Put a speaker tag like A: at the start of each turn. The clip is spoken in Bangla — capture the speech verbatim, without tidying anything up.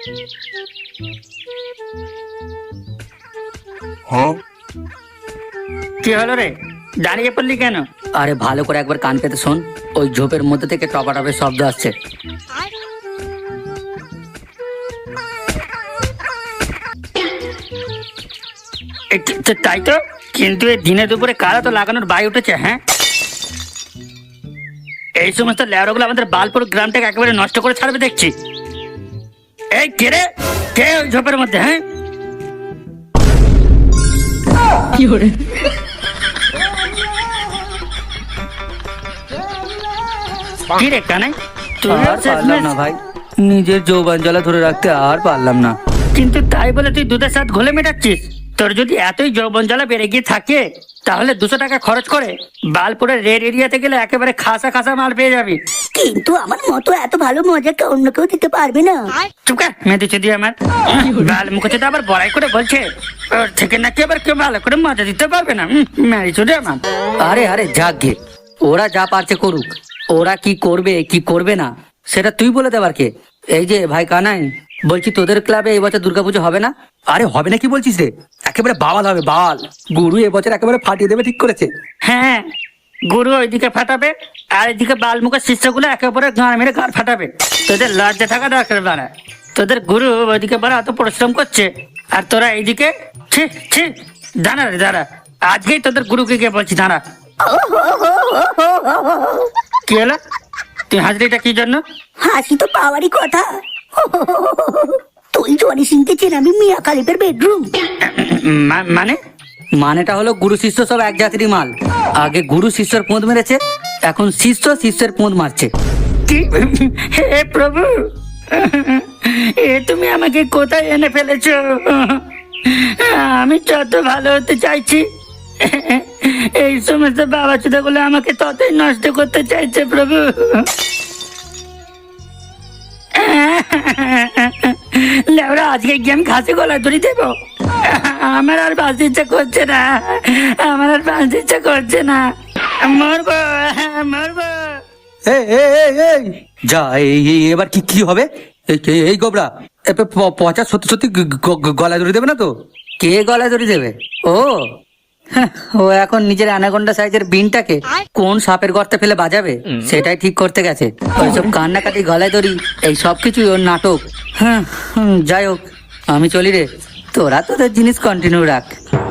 A: কি হলো রে, দাঁড়িয়ে পড়লি কেন?
B: আরে ভালো করে একবার কান পেতে শোন, ওই ঝোপের মধ্যে থেকে টপা টপের শব্দ আসছে।
A: এ কি- তো- তাই তো, কিন্তু এই দিনে দুপুরে কারা তো লাগানোর বাই উঠেছে। হ্যাঁ, এই সমস্ত ল্যাবগুলো আমাদের বালপুর গ্রামটাকে একেবারে নষ্ট করে ছাড়বে দেখছি। এই কে রে, কে ওই ঝোপের মধ্যে? হ্যাঁ, কি রে কানাই, তুই
B: আর পারলাম না ভাই, নিজের যৌবন জ্বালা ধরে রাখতে আর পারলাম না।
A: কিন্তু তাই বলে তুই দুধের সাথে ঘোলে মেটাচ্ছিস? তোর যদি এতই যৌবন জ্বালা বেড়ে গিয়ে থাকে, তাহলে দুশো টাকা খরচ করে বালপুরের রেড এরিয়াতে গেলে একেবারে খাসা খাসা মাল পেয়ে যাবি।
C: কিন্তু আমার মতো এত ভালো মজা কেউ অন্য কেউ দিতে পারবে না।
A: চুপকা মেয়েদের চুদি আমার বাল মুখে তো আবার বড়াই করে বলছে ওর থেকে নাকি আবার কেউ ভালো করে মজা দিতে পারবে না। মেয়ে চুদি আমার।
B: আরে আরে যাক গে, ওরা যা পারছে করুক, ওরা কি করবে কি করবে না সেটা তুই বলে দেবার কে? এই যে ভাই কানাই, বলছি তোদের ক্লাবে এই বছর দুর্গাপুজো হবে না?
D: আরে হবে না কি বলছিস রে, একেবারে বাওয়াল হবে বাওয়াল। গুরু এবছর একেবারে ফাটিয়ে দেবে ঠিক করেছে।
A: হ্যাঁ, গুরু ওইদিকে ফাটাবে আর এদিকে বাল মুখের শিষ্যগুলো একে অপরের গাঁড় মেরে গাঁড় ফাটাবে। তোদের লজ্জা থাকা দরকার বাড়া। তোদের গুরু ওইদিকে বড় এত পরিশ্রম করছে আর তোরা এইদিকে ছি ছি। দাঁড়া রে দাঁড়া, আজকেই তোদের গুরুকে গিয়ে বলছি দাঁড়া। কি হলো, তুই হাজরিটা কি জন্য?
C: হাসি তো পাওয়ারই কথা। তুই জনি সিংকে চেনাবি মিয়া খালিফের বেডরুম।
A: মা- মানে
B: মানেটা হলো গুরু শিষ্য সব এক জাতিরই মাল। আগে গুরু শিষ্যের পোঁদ মেরেছে, এখন শিষ্য শিষ্যের পোঁদ মারছে।
A: কি? হে প্রভু, এ তুমি আমাকে কোথায় এনে ফেলেছো? আমি যত ভালো হতে চাইছি, এই সমস্ত বাবা চুদাগুলো আমাকে ততই নষ্ট করতে চাইছে প্রভু। লেবরা, আজকে গিয়ে আমি ঘাসে গলা ধরি দেবো। আমার আর বাঁচতে ইচ্ছা করছে না, আমার আর বাঁচতে ইচ্ছা করছে না। মরবো মরবো।
D: এই, এই, এই, এই, যা এই এই, এবার কি কি হবে? এই এই, এই গোবরা, এ প- প- পচা সত্যি সত্যি গ- গ- গ- গলায় ধরে দেবে না তো?
B: কে গলায় দড়ি দেবে? ও হ্যাঁ, ও এখন নিজের অ্যানাকোন্ডা সাইজের বিনটাকে কোন সাপের গর্তে ফেলে বাজাবে সেটাই ঠিক করতে গেছে। ওইসব কান্নাকাটি, গলায় দড়ি, এই সব কিছুই ওর নাটক। হ্যাঁ হুম, যাই হোক, আমি চলি রে, তোরা তোদের জিনিস কন্টিনিউ রাখ।